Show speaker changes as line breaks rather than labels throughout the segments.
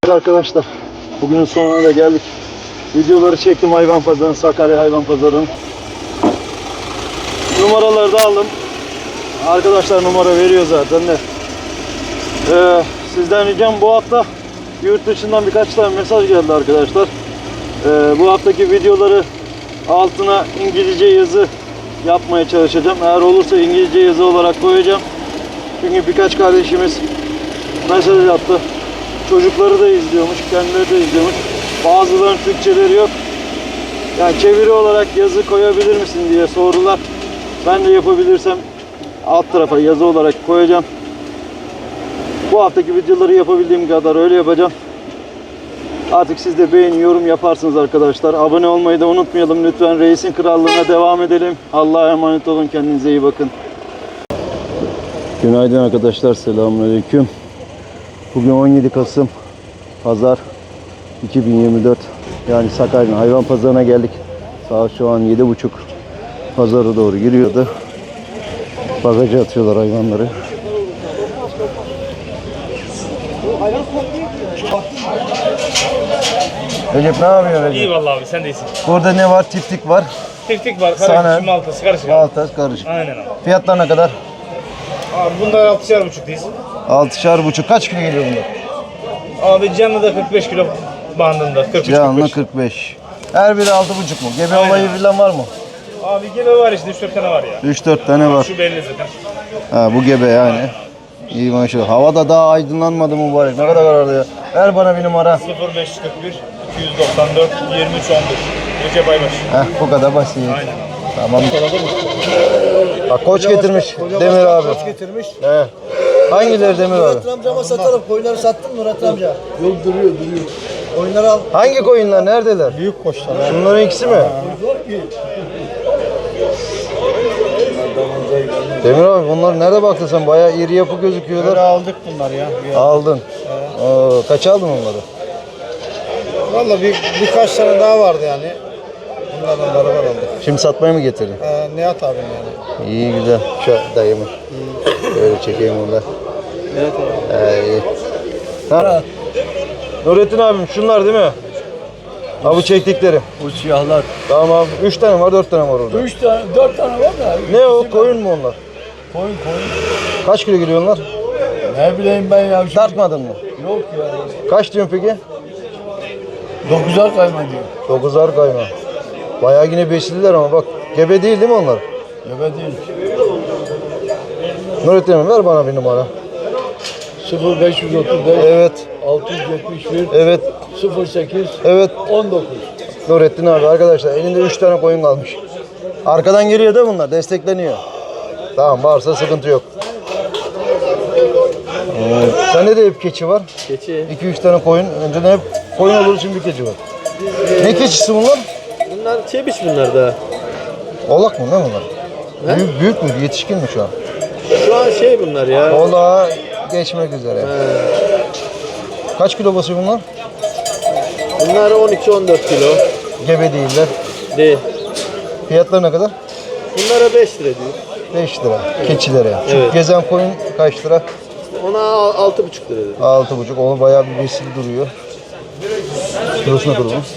Arkadaşlar bugünün sonuna da geldik. Videoları çektim hayvan pazarının, Sakarya hayvan pazarının. Numaraları da aldım. Arkadaşlar numara veriyor zaten de. Sizden ricam, bu hafta yurt dışından birkaç tane mesaj geldi arkadaşlar. Bu haftaki videoları altına İngilizce yazı yapmaya çalışacağım. Eğer olursa İngilizce yazı olarak koyacağım. Çünkü birkaç kardeşimiz mesaj attı. Çocukları da izliyormuş, kendileri de izliyormuş. Bazılarının Türkçeleri yok. Yani çeviri olarak yazı koyabilir misin diye sordular. Ben de yapabilirsem alt tarafa yazı olarak koyacağım. Bu haftaki videoları yapabildiğim kadar öyle yapacağım. Artık siz de beğeni, yorum yaparsınız arkadaşlar. Abone olmayı da unutmayalım lütfen. Reisin Krallığı'na devam edelim. Allah'a emanet olun. Kendinize iyi bakın. Günaydın arkadaşlar. Selamünaleyküm. Bugün 17 Kasım Pazar 2024. Yani Sakarya hayvan pazarına geldik. Saat şu an 7.30. Pazara doğru giriyordu. Bagaja atıyorlar hayvanları. Recep ne yapıyorsun Recep?
İyi vallahi abi, sen de iyisin.
Burada ne var? Tiftik var.
Tiftik var,
Sana-
karışık, maltası karışık.
Baltas karışık.
Aynen abi.
Fiyatlar ne kadar?
Abi bunlar 6,5'tayız.
6,5. Kaç kilo geliyor bunlar?
Abi canlı da 45 kilo bandında. 43
Canlı
45.
45. Her biri 6,5 mu? Gebe
Aynen.
olayı falan var mı?
Abi gebe var işte, 3-4 tane var ya.
3-4 tane var.
Şu belli zaten.
Ha, bu gebe yani. İyi maşallah. Hava da daha aydınlanmadı mübarek. Ne kadar kararlı ya. Ver bana bir numara.
0541 294 23 11. Recep Aybaş.
Bu kadar basit.
Aynen.
Tamam. Bak koç getirmiş Demir abi.
Koç getirmiş.
He. Hangileri Demir abi?
Murat amcama satalım. Koyunları sattın mı Murat amca? Yok duruyor. Koyunları al.
Hangi koyunlar? Neredeler?
Büyük koçlar.
Şunların ikisi mi? Demir abi bunlar nerede baktın sen? Bayağı iri yapı gözüküyorlar.
aldık bunlar ya.
Aldın. Kaç aldın onları?
Valla birkaç tane daha vardı yani. Bunlardan beraber aldık.
Şimdi satmaya mı getirdin?
Nihat abim yani.
İyi güzel. Şu dayımı. Böyle çekeyim onu da.
Nihat abi.
İyi. Ha. Nurettin abim şunlar değil mi? Ha bu çektikleri.
Bu siyahlar.
Tamam. 3 tane var, 4 tane var orada.
3 tane, 4 tane var da.
Ne o? Koyun mu onlar?
Koyun.
Kaç kilo geliyor onlar?
Ne bileyim ben ya.
Tartmadın mı?
Yok ya.
Kaç diyorsun peki?
9'ar kayma diyor.
9'ar kayma. Bayağı yine besliler ama bak. Gebe değil mi onlar?
Gebe değil.
Nurettin abim ver bana bir numara.
0535
Evet.
671
Evet.
08
Evet.
19.
Nurettin abi arkadaşlar elinde 3 tane koyun kalmış. Arkadan geliyor da bunlar destekleniyor. Tamam varsa sıkıntı yok. Sende de hep keçi var.
Keçi.
2-3 tane koyun. Önceden hep koyun olur, şimdi keçi var. Ne keçisi bunlar?
Bunlar çebiş bunlar da.
Oğlak mı ne bunlar? Büyük mü? Yetişkin mi şu an?
Şu an bunlar ya.
Oğlağa geçmek üzere. Kaç kilo basıyor bunlar?
Bunlar 12-14 kilo.
Gebe değiller.
Değil.
Fiyatları ne kadar?
Bunlara 5 lira diyor.
5 lira. Keçilere. Şu
Evet.
gezen koyun kaç lira?
Ona 6,5 lira dedi.
6,5. Onu bayağı bir besili duruyor. Kilosu ne kadar bunun?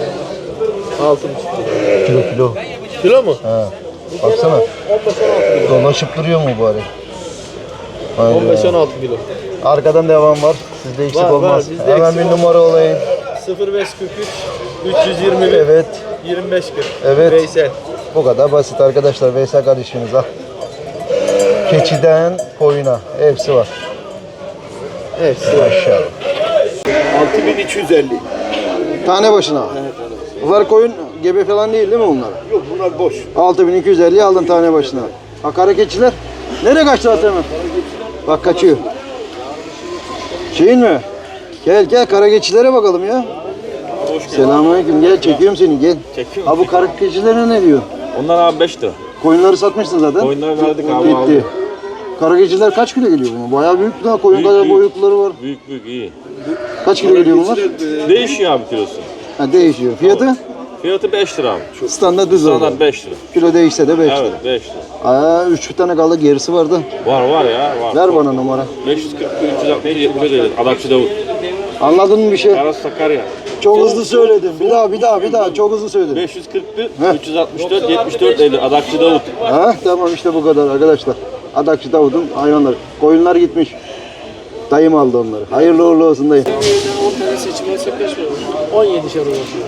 6,5 lira.
Kilo.
Kilo mu?
Ha. Baksana.
15-16 kilo.
Dolaşıp duruyor mu bari? Aynen.
15-16 kilo.
Arkadan devam var. Sizde eksik
Var,
olmaz.
bizde
Hemen
eksik
bir
olmaz.
numara olayım.
0543 321
Evet.
25 40.
Evet.
Veysel.
Bu kadar basit arkadaşlar. Veysel kardeşimiz al. Keçiden koyuna. Hepsi var.
Hepsi.
Maşallah.
6250.
Tane başına. Bunlar koyun gebe falan değil mi bunlar?
Yok bunlar boş.
6250 aldın tane başına. Bak kara keçiler. Nereye kaçtı hemen? Bak kaçıyor. Şeyin mi? Gel kara keçilere bakalım ya. Selamünaleyküm. Gel çekiyorum seni gel.
Çekiyorum.
Abi bu kara keçilere ne diyor?
Onlar abi 5 lira.
Koyunları satmışsın zaten.
Koyunları verdik abi,
Gitti.
aldık.
Kara keçiler kaç kilo geliyor buna? Bayağı büyük daha koyun
Büyük,
kadar
büyük.
boyutları var.
Büyük iyi.
Kaç kilo geliyor bunlar?
Değişiyor abi kilosu.
Ha, değişiyor. Fiyatı?
Fiyatı 5 lira abi.
Standart düz oldu.
Standart 5 lira.
Kilo değişse de 5 lira.
Evet 5 lira.
3 tane kaldı, gerisi vardı.
Var ya var.
Ver bana numara.
540 360 70 ödedi. Adakçı Davut.
Anladın mı bir şey?
Aras Sakarya.
Çok hızlı söyledim. Bir daha çok hızlı söyledim.
541 364 74 50 Adakçı Davut.
Ha tamam işte bu kadar arkadaşlar. Adakçı Davut'un hayvanları. Koyunlar gitmiş. Dayım aldı onları. Hayırlı uğurlu olsun dayı.
10 tane seçim olsa kaç veriyor? 17'şer ulaşıyor.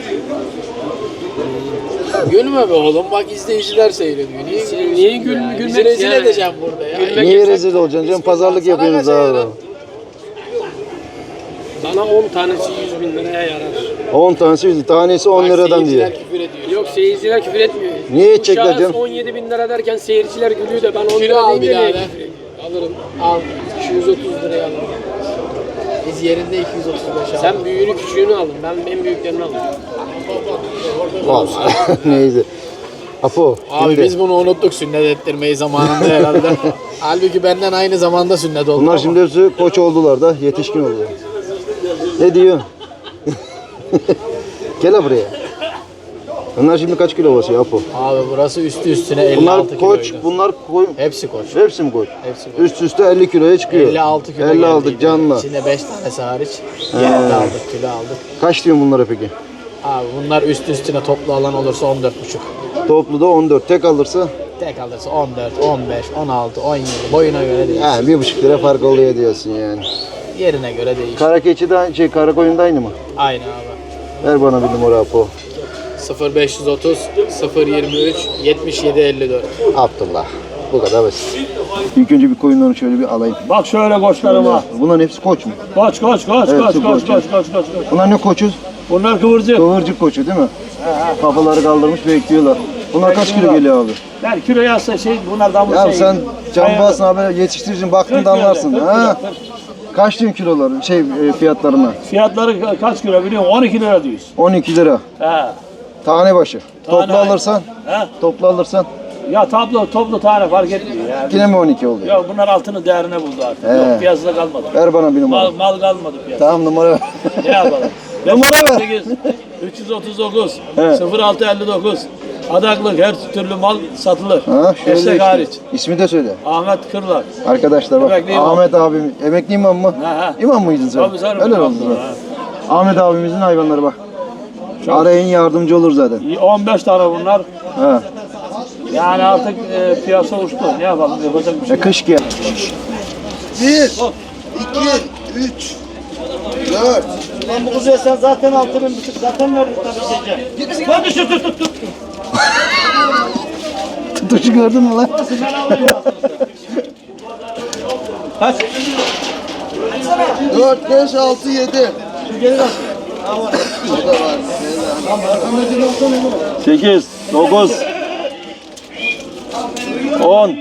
Gülme be oğlum, bak izleyiciler seyrediyor. Niye gülmek? Bizi rezil edeceğim burada ya.
Niye rezil olacaksın canım? Pazarlık yapıyoruz abi.
Bana 10 tanesi 100 bin liraya yarar.
10 tanesi 100, tanesi 10 liradan diyor.
Seyirciler küfür ediyor. Yok, seyirciler küfür etmiyor.
Niye edecekler
Şahıs
canım?
17 bin lira derken seyirciler gülüyor da ben 10 lira deyince niye küfür ediyorum? Alırım. Al. 230 liraya alırım. Biz yerinde 235 alırım. Sen büyüğünü küçüğünü aldın. Ben en büyüklerini aldım.
Vallahi neyse. Apo.
Abi
şimdi-
biz bunu unuttuk sünnet ettirmeyi zamanında herhalde. Halbuki benden aynı zamanda sünnet oldu.
Bunlar şimdi hepsi koç oldular da yetişkin oluyor. Ne diyor? Gel buraya. Bunlar şimdi kaç kilo basıyor Apo?
Abi burası üstü üstüne 56
Bunlar
kiloydu.
koç, bunlar koy.
Hepsi koç.
Hepsi mi koç?
Hepsi koç.
Üst üste 50 kiloya çıkıyor.
56 kilo
56
geldiydi.
canlı.
İçinde 5 tanesi hariç. Yerde aldık, kilo aldık.
Kaç diyorsun bunlara peki?
Abi bunlar üst üstüne toplu alan olursa 14,5.
Toplu da 14. Tek alırsa
Tek alırsa 14, 15, 16, 17. Boyuna göre değişir.
1,5 lira fark oluyor diyorsun yani.
Yerine göre değişir.
Kara keçi de kara koyun da aynı mı?
Aynı abi.
Ver bana bir numara Apo.
0530 023 77 54.
Abdullah. Bu kadar basit. İlk önce bir koyunları şöyle bir alayım.
Bak şöyle koçlarıma.
Bunların hepsi koç mu?
Koç.
Evet, koç. Bunlar ne koçu?
Bunlar kıvırcık.
Kıvırcık koçu değil mi? Kafaları kaldırmış bekliyorlar. Bunlar kaç kilo geliyor abi?
Ben kilo yazsa bunlardan bu
Ya sen cambazsın abi, yetiştiricin baktığında anlarsın. Ha? Kaç diyorsun kiloları, fiyatlarına?
Fiyatları kaç kilo biliyor musun? 12 lira diyoruz.
12 lira.
He.
Tane başı.
Tane
Toplu alırsan,
He.
toplu alırsan
Ya toplu tane fark etmiyor ya.
yine mi 12 oluyor?
Ya bunlar altının değerine buldu artık.
He.
Yok piyasada kalmadı.
Ver bana bir numara.
Mal kalmadı piyasada.
Tamam numara ver.
Ne yapalım?
Numara ver.
8, 339
He.
0659 Adaklık her türlü mal satılır.
Ha, şöyle
Destek
işte.
hariç.
İsmi de söyle.
Ahmet Kırlak.
Arkadaşlar bak,
Emekli imam.
Ahmet abim, emekli imam mı?
Ha.
İmam mıydın sen?
Tabii canım,
Helal
imam.
olsun sana. Ahmet abimizin hayvanları bak. Arayın yardımcı olur zaten.
15 tane bunlar.
Ha.
Yani artık piyasa uçtu. Ne yapalım? Yapacak bir şey yok.
Kış gel.
1, 2, 3, 4. Lan bu kızı sen zaten 6.500 zaten verdik tabii şeyce.
Hadi şu tut.
Tutuşu gördün mü lan?
Kaç?
4, 5, 6, 7. Şu geri bak. Burada var.
8, 9, 10.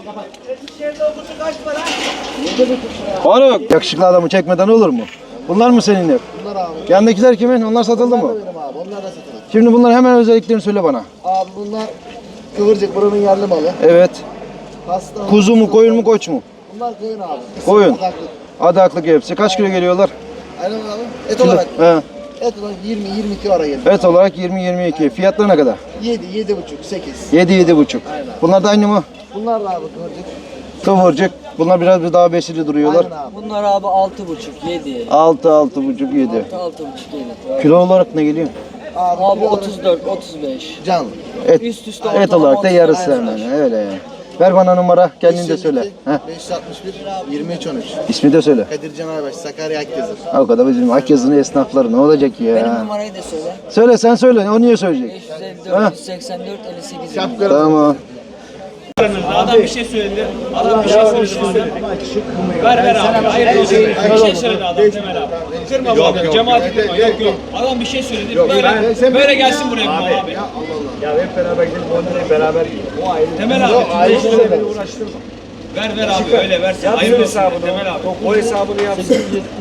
Faruk. Yakışıklı adamı çekmeden olur mu? Bunlar mı senin hep?
Bunlar abi.
Yanındakiler kimin? Onlar satıldı mı?
Benim abi. Onlar da satılır.
Şimdi bunlar hemen özelliklerini söyle bana.
Abi bunlar kıvırcık buranın yerli malı.
Evet.
Hasta.
Kuzu mu, koyun mu, koç mu?
Bunlar koyun abi.
Koyun.
Adaklık.
Adaklık hepsi. Kaç kilo geliyorlar?
Aynen abi. Et olarak.
He.
Et olarak 20-22 ara gelir.
Et olarak 20-22. Fiyatları ne kadar?
7, 7,5, 8.
7-7,5. Bunlar da aynı mı?
Bunlar da abi kıvırcık.
Kıvırcık. Bunlar biraz daha besili duruyorlar.
Aynen abi.
Bunlar abi 6,5 7
6, 6,5, 7.
6,5 7.
Kilo olarak ne geliyor?
Abi,
Abi 34 35.
Canlı.
Et,
Üst üste
et
ortalama
olarak da
30
yarısı
tane
hemen. Öyle yani. Ver bana numara. Kendin de söyle. Heh.
561, 23, 13.
İsmi de söyle.
Kadir Can Aybaş, Sakarya Akgezir.
O kadar bizim Akyazı'nın esnafları ne olacak ya?
Benim numarayı da söyle.
Söyle sen söyle. O niye söyleyecek?
554 184 58.
Şapka.
Tamam.
Adam bir şey söyledi. Adam bir şey söyledi. Ver abi. Hayır olsun. Bir şey söyledi adam Temel abi. Kırma bu adamı. Cemaati kırma. Yok. Adam bir şey söyledi. Böyle gelsin buraya bu abi.
Ya hep beraber gidelim 10 lirayı beraber yiyelim. O ayrı.
Temel abi.
Ayrı şey beni uğraştırma.
Ver abi öyle versin. Hayır olsun
hesabını.
Temel abi.
O hesabını yapsın.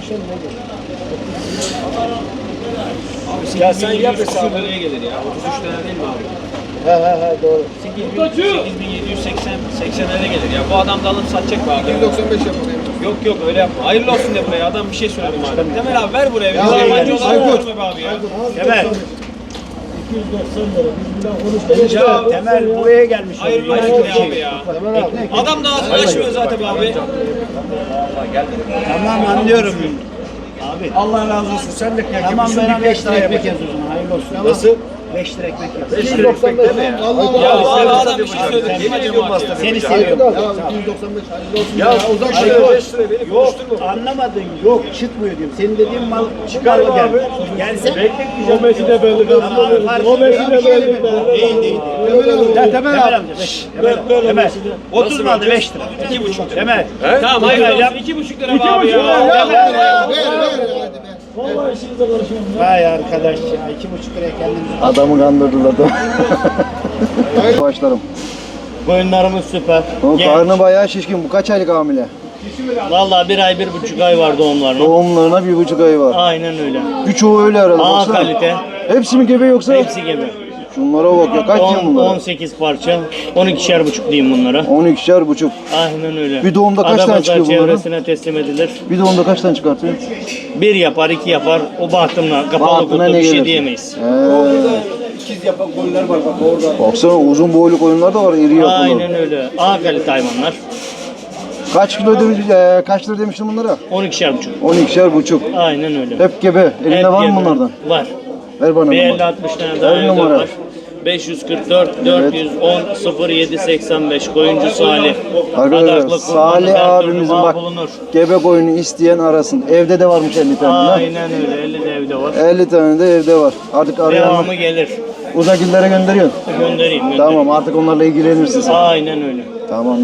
Ya sen yap hesabını.
Nereye gelir ya? 33 tane değil mi abi?
He doğru.
8780 80'lere gelir ya. Bu adam da alıp satacak be abi.
195 yapalım.
Yok öyle yapma. Hayırlı olsun de buraya. Adam bir şey söyledi madem. Temel abi ver buraya. Biz yabancı olarak verme be abi ya.
Temel. Ya Temel buraya gelmiş.
Hayırlı olsun de abi ya. Adam da ağzını açmıyor zaten be abi.
Tamam anlıyorum.
abi. Allah razı olsun. Sen de kâr. Tamam ben 5 lira ekmek yazıyorum. Hayırlı olsun. Nasıl? 5 lira ekmek yaz. 5 lira ekmek değil mi?
Ya adam bir şey söyledi. Yemin ediyorum bastı.
Seni seviyorum. Ya 295 hayırlı olsun. Ya uzak şuraya 5 lira beni konuşturma. Anlamadın. Yok çıkmıyor diyorum. Senin dediğin mal çıkar mı gel. Yani sen bekletmeyeceğim. O mesele belli. O mesele belli. Değil. Temel amca. Temel. 30 mu aldı 5 lira? 2,5 Temel.
Tamam hayır. 2,5 lira mı abi ya?
Vay arkadaş ya 2,5 liraya kendimizi.
Adamı kandırdılar da. Başlarım.
Koyunlarımız süper.
O karnı bayağı şişkin. Bu kaç aylık hamile?
Vallahi 1 ay 1,5 ay var doğumlarına.
Doğumlarına 1,5 ay var.
Aynen öyle.
Birçoğu öyle herhalde.
A
baksana.
kalite.
Hepsi mi gebe yoksa?
Hepsi gibi.
Şunlara bak ya. Kaç yıl bunlar?
18 parça. 12'şer buçuk diyeyim bunlara.
12'şer buçuk.
Aynen öyle.
Bir doğumda kaç tane çıkıyor bunların?
çevresine teslim edilir.
Bir doğumda kaç tane çıkartıyor?
1 yapar, 2 yapar. O bahtımla kapalı
Bahtına
kutu
ne
bir şey
gelir?
diyemeyiz.
Baksana uzun boylu koyunlar da var, iri yapılı.
Aynen öyle. A kalite hayvanlar.
Kaç kilo demiş, kaç lira demiştin bunlara?
12'şer buçuk.
12'şer buçuk.
Aynen öyle.
Hep gebe. Elinde
Hep
var mı
gebe.
bunlardan?
Var.
Ver bana.
Bir
numara.
50-60 tane daha
Ver
evde
numara.
var. 544 410 0785 koyuncu Salih.
Arkadaşlar
Adaklı,
Salih
kurbanlık, her türlü
abimizin
mal
bak
bulunur.
gebe koyunu isteyen arasın. Evde de varmış 50 tane. ha?
Aynen öyle. 50 de evde var.
50 tane de evde var. Artık arayan
Devamı gelir.
uzak illere gönderiyorsun.
Göndereyim.
Tamam artık onlarla ilgilenirsin sen.
Aynen öyle.
Tamam.